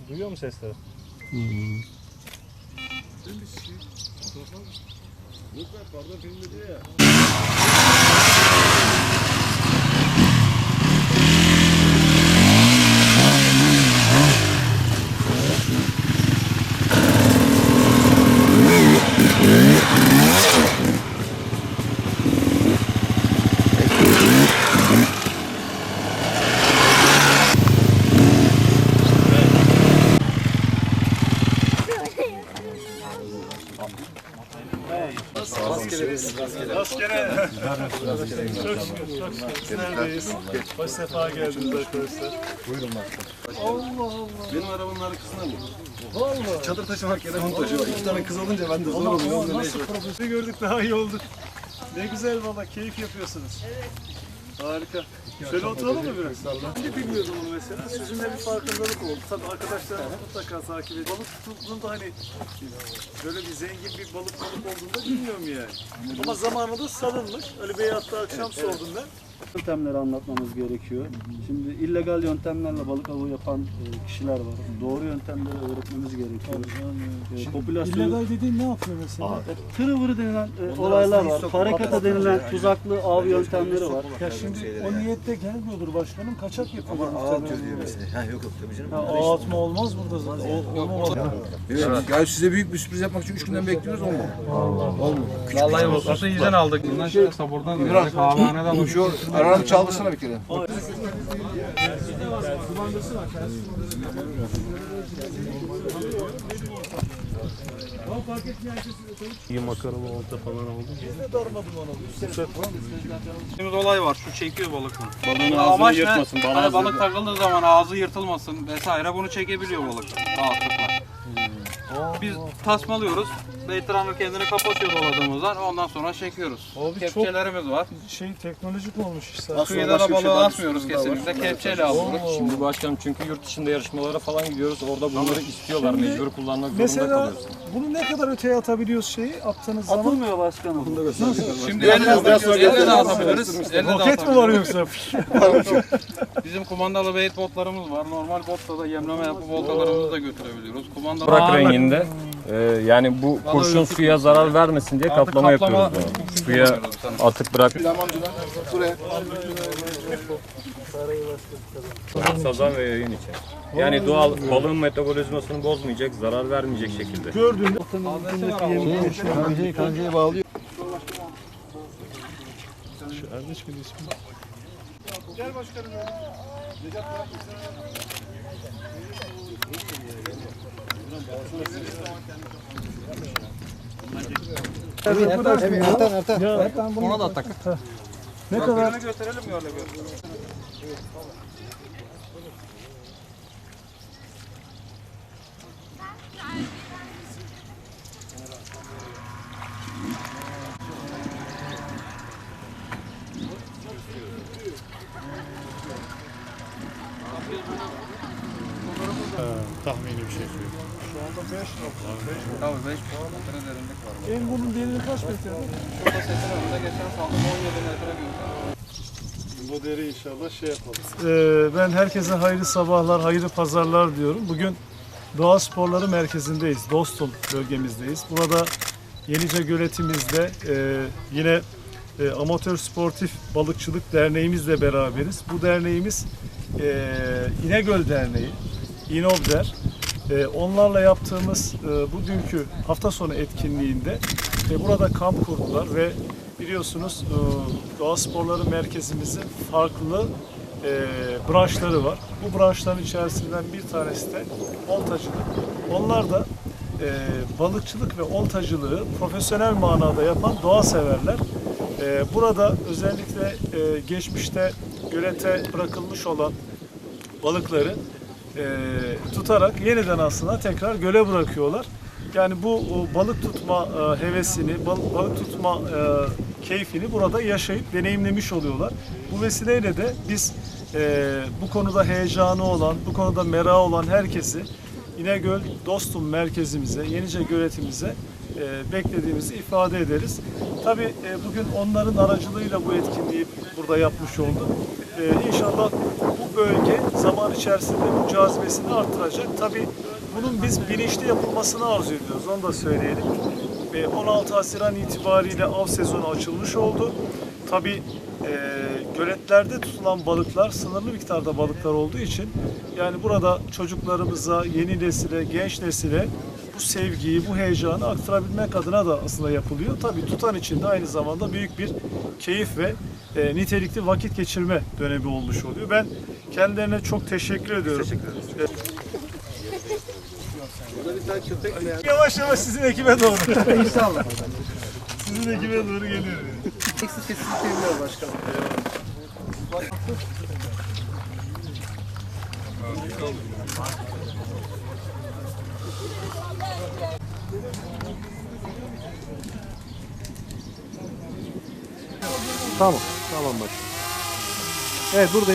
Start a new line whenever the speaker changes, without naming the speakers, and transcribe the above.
Duyuyor musun sesleri? Rastgele. Çok şükür. Neredeyiz? Hoş sefa geldiniz arkadaşlar.
Buyurun bak.
Allah Allah.
Benim arabanın arkasında mı?
Vallahi.
Çadır taşımak yerine bunu taşıyorum. 2 tane kız olunca ben de zor oluyor.
Ama nasıl profesyonel gördük daha iyi olduk. Ne güzel valla keyif yapıyorsunuz. Evet. Harika. Şöyle oturalım mı biraz? Ben de bilmiyordum onu mesela. Sizinle bir farkındalık oldu. Tabii arkadaşlar mutlaka takip ediyor. Balık tutulduğunda hani böyle bir zengin bir balık olduğunda bilmiyorum yani. Ama zamanında salınmış. Ali Bey'e hatta akşam sordum ben.
Yöntemleri anlatmamız gerekiyor. Şimdi illegal yöntemlerle balık avı yapan kişiler var. Doğru yöntemleri öğretmemiz gerekiyor. Popülasyon
İllegal dediğin ne yapıyor mesela?
tırıvırı denilen olaylar var. Parakata denilen tuzaklı av yöntemleri var.
Ya şimdi o niyette gelmiyordur başkanım. Kaçak yapıyorlar.
Ama ağ atıyor diyor mesela. Ha yok tabii canım.
Ağ atma olmaz burada zaten. Olmaz.
Evet. Ya size büyük bir sürpriz yapmak için 3 günden bekliyoruz olmadı. Olmadı.
Vallahi olsa izin aldık. Bundan sonra sabırdan verdik. Kahvehaneden
Şu aranı çaldırsana bir kere.
İyi makaralı olta falan oldu. Biz de darmadım onu.
bir olay var. Şu çekiyor balık.
Balığın
Amaç ne? Hani balık takıldığı zaman ağzı yırtılmasın vesaire bunu çekebiliyor balık rahatlıkla. Biz tasmalıyoruz. Beytranır kendini kapatıyor doladığımızdan. Ondan sonra çekiyoruz.
Abi
Kepçelerimiz var.
Teknolojik olmuş işte.
Kıyıda da balığı asmıyoruz kesinlikle. Kepçeyle alıyoruz.
Şimdi başkanım çünkü yurt dışında yarışmalara falan gidiyoruz. Orada bunları istiyorlar.
Şimdi
Mecbur kullanmak zorunda
Mesela
kalıyoruz.
bunu ne kadar öteye atabiliyoruz attığınız zaman?
Atılmıyor başkanım.
Şimdi elle de atabiliriz. Elle de
Roket mi
atabiliriz.
var yoksa?
Bizim kumandalı bait botlarımız var. Normal botta da yemleme yapıp oltalarımızı da götürebiliyoruz. Kumandalı
Bırak renginde. Yani bu kurşun suya zarar vermesin diye kaplama yapıyoruz bunu. Suya atıp bırak.
Buraya.
Sazan ve yayın için. Yani doğal balığın metabolizmasını bozmayacak, zarar vermeyecek şekilde.
Gördüğünde
Kancayı bağlıyor.
şu Erdeş miydi ismi? Gel başkanım.
Ertan.
Ona da atak.
Ne kadar?
Götürelim mi öyle bir?
Tahmini bir şey söyleyeyim. Şu anda 5
Tabii 5 metre derinlik var.
En bunun derinliği kaç metre?
Şurada setin önünde geçen saldım 17 metre görüyorum.
Bu deri inşallah şey yapalım. Ben herkese hayırlı sabahlar, hayırlı pazarlar diyorum. Bugün Doğa Sporları Merkezi'ndeyiz. Dostum bölgemizdeyiz. Burada Yenice Göletimizde yine Amatör Sportif Balıkçılık Derneğimizle beraberiz. Bu derneğimiz İnegöl Derneği, İnobder. Onlarla yaptığımız bugünkü hafta sonu etkinliğinde burada kamp kurdular ve biliyorsunuz Doğa Sporları Merkezimizin farklı branşları var. Bu branşların içerisinden bir tanesi de oltacılık. Onlar da balıkçılık ve oltacılığı profesyonel manada yapan doğa severler. Burada özellikle geçmişte gölete bırakılmış olan balıkları tutarak yeniden aslında tekrar göle bırakıyorlar. Yani bu balık tutma hevesini, balık tutma keyfini burada yaşayıp deneyimlemiş oluyorlar. Bu vesileyle de biz bu konuda heyecanı olan, bu konuda merakı olan herkesi İnegöl Dostum merkezimize, Yenice Göletimize beklediğimizi ifade ederiz. Tabii bugün onların aracılığıyla bu etkinliği burada yapmış olduk. İnşallah bu bölge zaman içerisinde bu cazibesini artıracak. Tabii bunun biz bilinçli yapılmasını arzu ediyoruz. Onu da söyleyelim. 16 Haziran itibariyle av sezonu açılmış oldu. Tabii göletlerde tutulan balıklar sınırlı miktarda balıklar olduğu için yani burada çocuklarımıza, yeni nesile, genç nesile bu sevgiyi, bu heyecanı aktarabilmek adına da aslında yapılıyor. Tabii tutan için de aynı zamanda büyük bir keyif ve nitelikli vakit geçirme dönemi olmuş oluyor. Ben kendilerine çok teşekkür ediyorum. Yavaş yavaş sizin ekibe doğru.
İnşallah.
Sizin ekibe doğru geliyor.
Eksik kesinlikle seviliyor başkanım.
Tamam başkanım. Evet burada